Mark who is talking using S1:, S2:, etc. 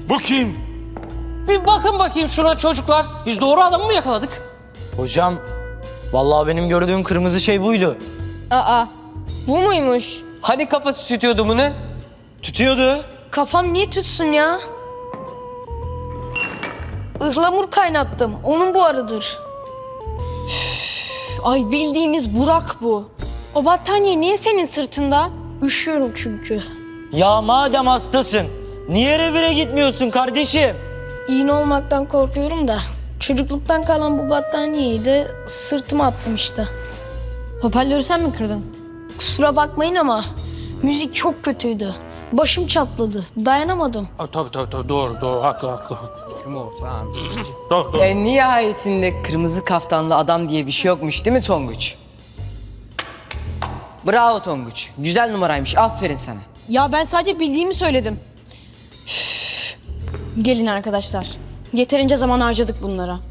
S1: Bu kim?
S2: Bir bakın bakayım şuna çocuklar. Biz doğru adamı mı yakaladık?
S3: Hocam, vallahi benim gördüğüm kırmızı şey buydu.
S4: Aa, bu muymuş?
S5: Hani kafası tütüyordu bunun?
S3: Tütüyordu.
S4: Kafam niye tütsün ya? Ihlamur kaynattım. Onun buharıdır. Üf, ay bildiğimiz Burak bu. O battaniye niye senin sırtında? Üşüyorum çünkü.
S3: Ya madem hastasın, niye revire gitmiyorsun kardeşim?
S4: İğne olmaktan korkuyorum da. Çocukluktan kalan bu battaniyeyi de sırtıma attım işte.
S6: Hoparlörü sen mi kırdın?
S4: Kusura bakmayın ama müzik çok kötüydü. Başım çatladı. Dayanamadım.
S1: Tabii doğru haklı. Kim olsa Doğru.
S5: En nihayetinde kırmızı kaftanlı adam diye bir şey yokmuş değil mi Tonguç? Bravo Tonguç. Güzel numaraymış. Aferin sana.
S6: Ya ben sadece bildiğimi söyledim.
S7: Gelin arkadaşlar. Yeterince zaman harcadık bunlara.